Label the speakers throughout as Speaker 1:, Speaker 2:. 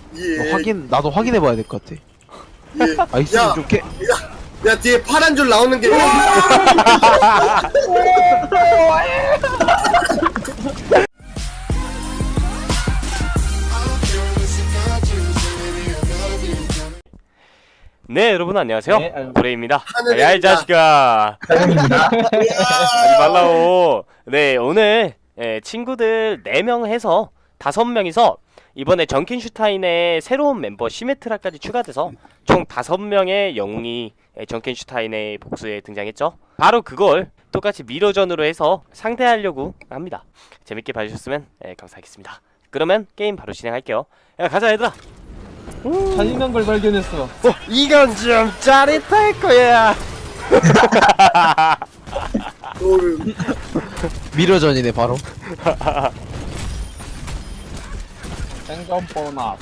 Speaker 1: 예.
Speaker 2: 나도 확인해봐야 될 것 같아.
Speaker 1: 예.
Speaker 2: 아, 있으면 좀 깨.
Speaker 1: 야 뒤에 파란 줄 나오는 게.
Speaker 3: 네, 여러분 안녕하세요.
Speaker 4: 네, 아유.
Speaker 3: 고래입니다.
Speaker 1: 하늘입니다.
Speaker 3: 야, 이 자식아. 하지 말라고. 네, 오늘 친구들 4명 해서 5명이서 이번에 정켄슈타인의 새로운 멤버 시메트라까지 추가돼서 총 5명의 영웅이 정켄슈타인의 복수에 등장했죠. 바로 그걸 똑같이 미러전으로 해서 상대하려고 합니다. 재밌게 봐주셨으면 감사하겠습니다. 그러면 게임 바로 진행할게요. 야, 가자 얘들아.
Speaker 4: 잔인한 걸 발견했어.
Speaker 3: 이건 좀 짜릿할 거야.
Speaker 2: 미러전이네 바로.
Speaker 4: 생존 보너스.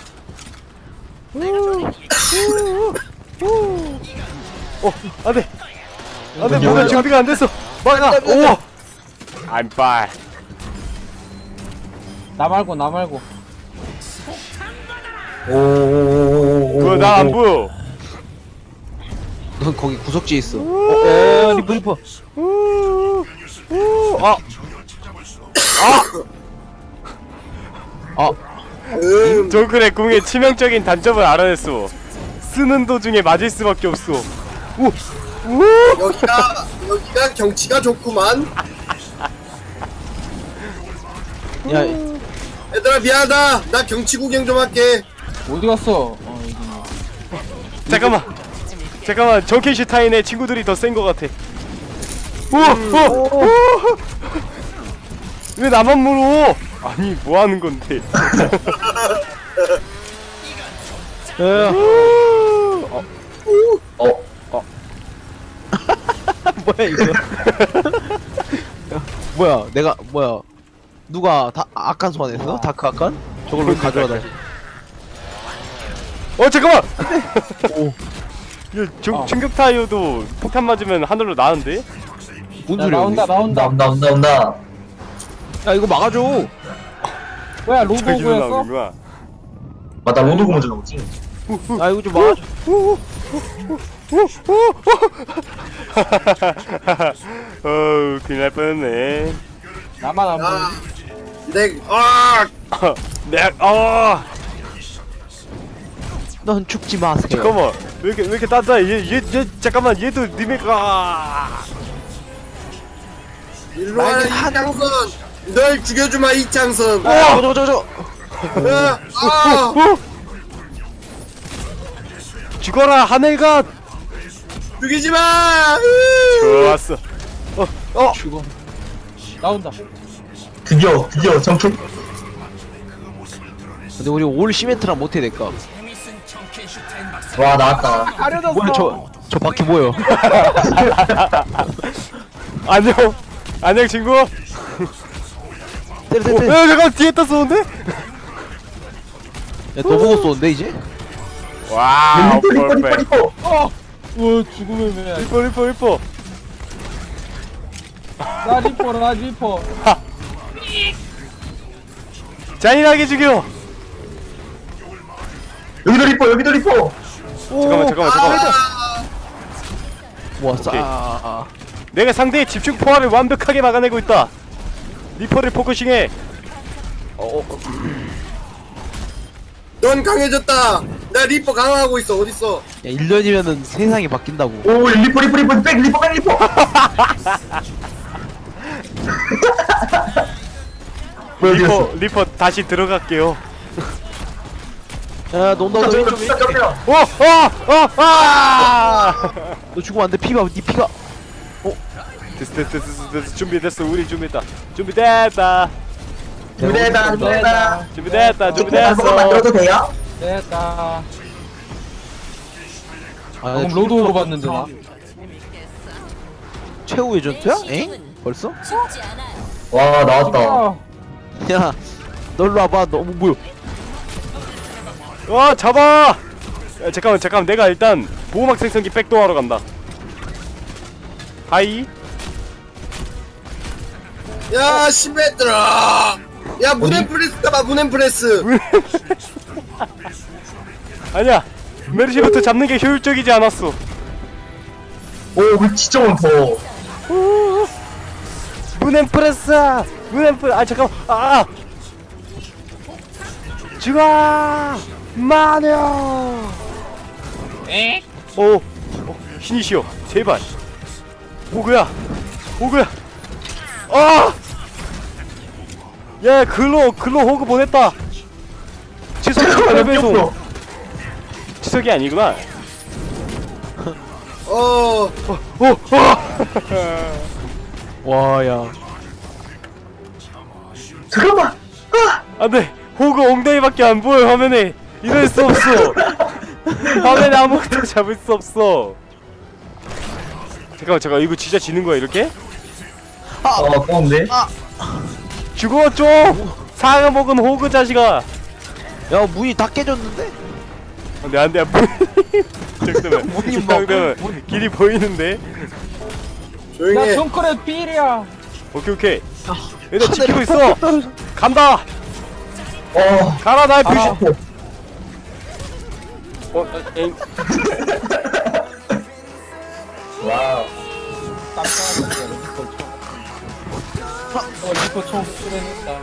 Speaker 3: 안돼. 안돼, 뭔가 준비가 안 됐어. 막아. 오. I'm fine.
Speaker 4: 나 말고.
Speaker 3: 그거 나 안 보여.
Speaker 2: 넌 거기 구석지에 있어.
Speaker 4: 리퍼.
Speaker 3: 아.
Speaker 2: 아,
Speaker 3: 정글의 궁의 치명적인 단점을 알아냈어. 쓰는 도중에 맞을 수밖에 없어.
Speaker 1: 여기가 경치가 좋구만.
Speaker 2: 야,
Speaker 1: 얘들아 미안하다. 나 경치 구경 좀 할게.
Speaker 4: 어디 갔어? 여기.
Speaker 3: 잠깐만. 정켄슈타인의 친구들이 더 센 것 같아. 왜 나만 물어? 아니, 뭐 하는 건데?
Speaker 2: 뭐야 이거? 뭐야? 누가 아칸 소환했어? 다크 아칸? 저걸 왜 가져와 다시?
Speaker 3: 잠깐만.
Speaker 2: 오,
Speaker 3: 야, 충격 타이어도 폭탄 맞으면 하늘로 나는데?
Speaker 2: 뭔
Speaker 4: 야,
Speaker 2: 소리야?
Speaker 4: 나온다.
Speaker 5: 온다.
Speaker 2: 야, 이거 막아줘.
Speaker 4: 뭐야 로드
Speaker 3: 저기로
Speaker 4: 오고였어?
Speaker 3: 나오는구나.
Speaker 5: 맞다, 로드고 먼저 나오지.
Speaker 2: 야, 이거 좀 막아줘.
Speaker 3: 어우, 큰일 날 뻔했네.
Speaker 4: 나만 안 보여.
Speaker 2: 넌 죽지 마세요.
Speaker 3: 잠깐만, 왜 이렇게 단단해? 얘 잠깐만, 얘도 님의가.
Speaker 1: 일로 와 이창선. 널 죽여주마 이창선.
Speaker 2: 저거.
Speaker 3: 죽어라, 하늘가.
Speaker 1: 죽이지 마.
Speaker 3: 좋았어.
Speaker 4: 죽어. 나온다.
Speaker 5: 드디어 정품.
Speaker 2: 근데 우리 올 시멘트랑 못해 될까?
Speaker 5: 와, 나왔다.
Speaker 4: 가려졌어.
Speaker 2: 뭐야 저 바퀴 뭐야?
Speaker 3: 안녕 친구. 야,
Speaker 2: 때려.
Speaker 3: 잠깐 뒤에 다 쏘는데?
Speaker 2: 야, 너 보고 쏘는데 이제?
Speaker 3: 와우, 퍼펙트.
Speaker 5: 리퍼.
Speaker 4: 우 죽음의 매.
Speaker 3: 리퍼.
Speaker 4: 나 리퍼.
Speaker 3: 잔인하게 죽여.
Speaker 5: 여기도 리퍼.
Speaker 3: 잠깐만.
Speaker 2: 모았어.
Speaker 3: 오케이.
Speaker 2: 아.
Speaker 3: 내가 상대의 집중 포화를 완벽하게 막아내고 있다. 리퍼를 포커싱해.
Speaker 1: 넌 강해졌다. 나 리퍼 강화하고 있어. 어딨어?
Speaker 2: 야, 1년이면은 세상이 바뀐다고.
Speaker 5: 오, 리퍼. 백 리퍼.
Speaker 3: 리퍼 다시 들어갈게요.
Speaker 2: 야, 너 온다. 왼쪽. 너 죽으면 안 돼. 네 피가.
Speaker 3: 됐어. 준비됐어. 우리 준비됐다. 준비됐어.
Speaker 5: 만들어도 돼요?
Speaker 4: 됐다.
Speaker 2: 아,
Speaker 4: 방금 로드 오고 봤는데 나.
Speaker 2: 최후의 전투야? 엥? 벌써?
Speaker 5: 와, 나왔다.
Speaker 2: 야, 널로 와봐. 너 뭐야?
Speaker 3: 와, 잡아. 야, 잠깐만. 내가 일단 보호막 생성기 백도어하러 간다. 하이.
Speaker 1: 야 시메트라. 야 문앤프레스 가봐 문앤프레스.
Speaker 3: 아니야. 메르시부터 잡는 게 효율적이지 않았어.
Speaker 5: 오 진짜 많다.
Speaker 3: 문엠프레스. 문엠프. 아 잠깐만. 아. 죽어. 마녀. 에? 오. 신이시여. 제발. 호그야. 호그야. 아. 야 글로 호그 보냈다. 지석이 배송. 지석이 아니구나.
Speaker 1: 어
Speaker 2: 와야
Speaker 5: 잠깐만.
Speaker 3: 안돼. 호그 엉덩이밖에 안 보여 화면에. 이럴 수 없어. 화면에 아무것도 잡을 수 없어. 잠깐 이거 진짜 지는 거야 이렇게?
Speaker 5: 아까운데.
Speaker 3: 죽어 좀. 상어 먹은 호그 자식아.
Speaker 2: 야 문이 다 깨졌는데?
Speaker 3: 안돼 잠깐만.
Speaker 2: 문이
Speaker 3: 이
Speaker 2: 막-
Speaker 3: 정도면 길이 보이는데.
Speaker 1: 조용히
Speaker 4: 야
Speaker 1: 해.
Speaker 4: 정크레 필이야.
Speaker 3: 오케이. 얘들 지키고 있어. 간다. 가라 나의 불신. 에잉.
Speaker 5: 와우.
Speaker 4: 깜짝이야 리포 총 수련했다.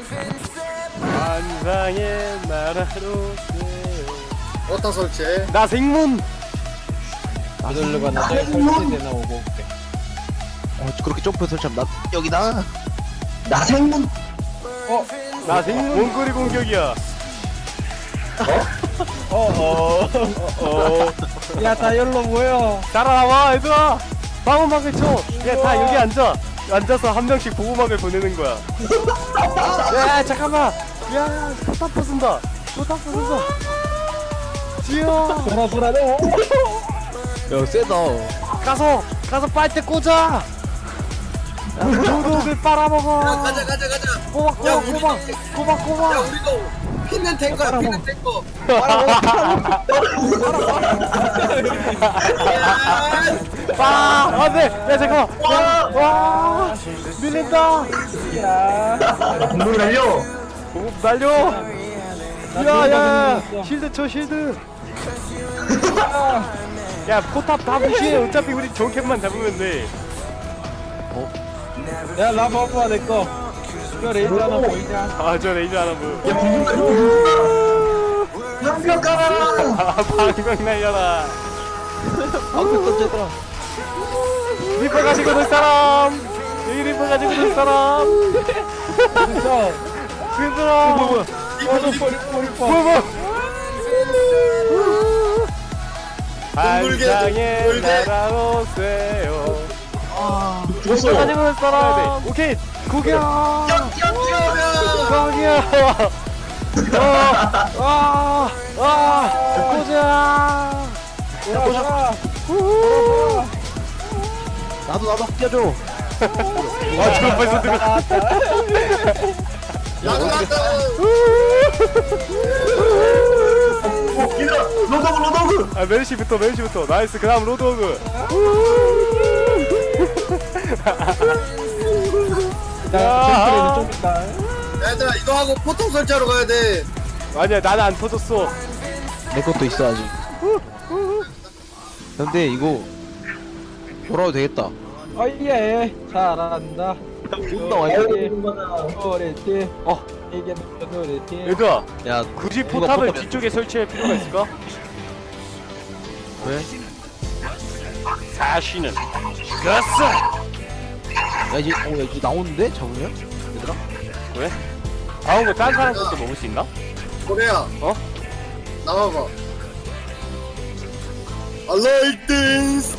Speaker 3: 환상의 나라로.
Speaker 1: 어디다 설치해?
Speaker 3: 나 생문.
Speaker 4: 이들르가 나중에 설치되나 오고 올게.
Speaker 2: 그렇게 점프 설치하면 나 여기다.
Speaker 5: 나 생문.
Speaker 3: 나 생문. 원거리 공격이야.
Speaker 4: 야 다 열로 모여.
Speaker 3: 따라와 얘들아. 방어막을 쳐. 야 다 여기 앉아서 한 명씩 보호막을 보내는 거야. 야 잠깐만. 야 포탑 부순다. 지어.
Speaker 4: 불안해.
Speaker 2: 야 세다.
Speaker 3: 가서 빨대 꽂아. 도둑을 빨아먹어.
Speaker 1: 야 가자
Speaker 3: 꼬박.
Speaker 1: 야 우리도 피는 탱커야 피는 탱커.
Speaker 3: 안돼. 야 잠깐만. 와 밀린다.
Speaker 5: 공룡이 날려.
Speaker 3: 공업 날려. 야야 실드 쳐 실드. 야 포탑 다 무시해. 어차피 우리 정캡만 잡으면 돼.
Speaker 4: 야 라바바 내 거. 이거 레이저 하나 보이냐?
Speaker 3: 아 저 레이저 하나 보여.
Speaker 5: 야 공룡까지. 방벽 깔아.
Speaker 3: 아 방금 날려라.
Speaker 2: 방금 던졌더라.
Speaker 3: 리퍼 가지고 놀 사람. 여기 리퍼 가지고 놀 사람.
Speaker 4: 진짜.
Speaker 3: 얘들아.
Speaker 4: 뭐야?
Speaker 3: 뭐야. 환상의
Speaker 1: 돌게.
Speaker 3: 나라로 쇠요.
Speaker 5: 죽었어.
Speaker 3: 리퍼 가지고 놀 사람. 오케이. 고기야. 고기야. 보자.
Speaker 2: 나도 뛰어줘.
Speaker 3: 저 벌써 들어.
Speaker 1: 나도
Speaker 5: 얘들아 로더그.
Speaker 3: 아 메르시부터 나이스. 그다음 로드호그.
Speaker 4: 정크레는 좀 있다.
Speaker 1: 얘들아 이거 하고 포탑 설치하러 가야 돼.
Speaker 3: 아니야 나는 안 터졌어.
Speaker 2: 내 것도 있어 아직. 근데 이거 돌아도 되겠다.
Speaker 4: 어예 잘한다.
Speaker 2: 존나 와이프.
Speaker 4: 노래티.
Speaker 3: 어
Speaker 4: 이게 노래티.
Speaker 3: 얘들아
Speaker 2: 야
Speaker 3: 굳이
Speaker 2: 이거
Speaker 3: 포탑을
Speaker 2: 포탑이야.
Speaker 3: 뒤쪽에 설치할 필요가 있을까?
Speaker 2: 왜?
Speaker 3: 사시는 죽었어.
Speaker 2: 야 이제 이제 나오는데 잡으면? 얘들아?
Speaker 3: 왜? 나온 거 딴 사람 것도 먹을 수 있나?
Speaker 1: 고래야
Speaker 3: 어?
Speaker 1: 나와봐. I like this.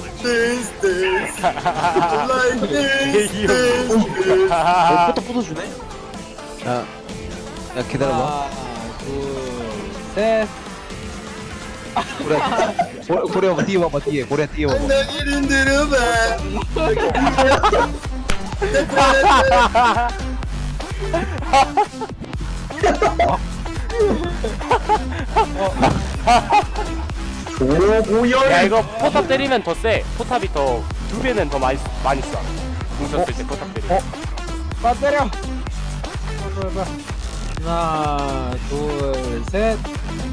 Speaker 1: I like this.
Speaker 2: 포탑 부숴주네? 야 기다려봐.
Speaker 4: 하나, 둘, 셋.
Speaker 2: 고래 한번 뛰어봐봐 뒤에. 고래 뛰어봐봐.
Speaker 1: 내 이름 들어봐.
Speaker 5: 오고열.
Speaker 3: 야 이거 포탑 때리면 더 세. 포탑이 더 2배는 더 많이 쏴. 궁 썼을 때 포탑 때리면.
Speaker 4: 빠 때려. 하나, 둘, 셋.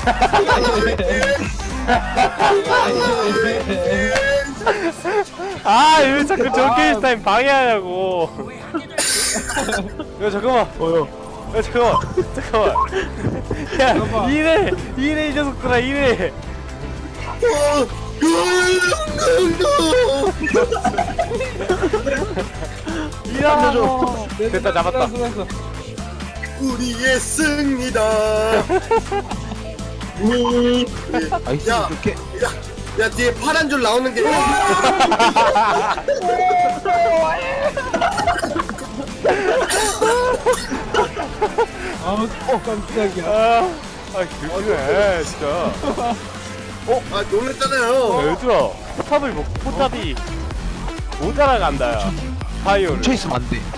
Speaker 3: 아, 왜 자꾸 정켄슈타인 방해하냐고. 야, 잠깐만. 야, 잠깐만. 야, 이래 이 녀석들아, 이래. 이라고. 됐다, 잡았다.
Speaker 1: 우리의 승리다.
Speaker 2: 아이스
Speaker 1: 야.
Speaker 2: 이렇게
Speaker 1: 야 뒤에 파란 줄 나오는 게.
Speaker 4: 아우 깜짝이야.
Speaker 3: 그래, 진짜.
Speaker 1: 아 놀랬잖아요.
Speaker 3: 얘들아, 포탑이 못 따라간다, 야. 파이어를.
Speaker 2: 뭉쳐 있으면 안 돼.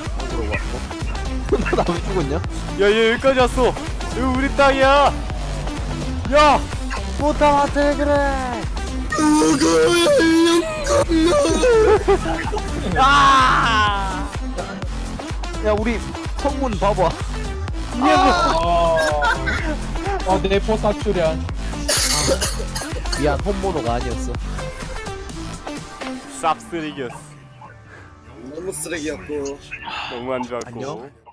Speaker 2: 나왜 죽었냐?
Speaker 3: 야, 얘 여기까지 왔어. 여기 우리 땅이야. 야, 포탑한테 그래. 아!
Speaker 2: 야 우리 성문 봐봐.
Speaker 3: 이게 뭐?
Speaker 4: 내 포탑 출연.
Speaker 2: 미안 홈모노가 아니었어.
Speaker 3: 쌉쓰레기였어.
Speaker 1: 너무 쓰레기였고.
Speaker 3: 너무 안 좋았고.
Speaker 2: 안녕.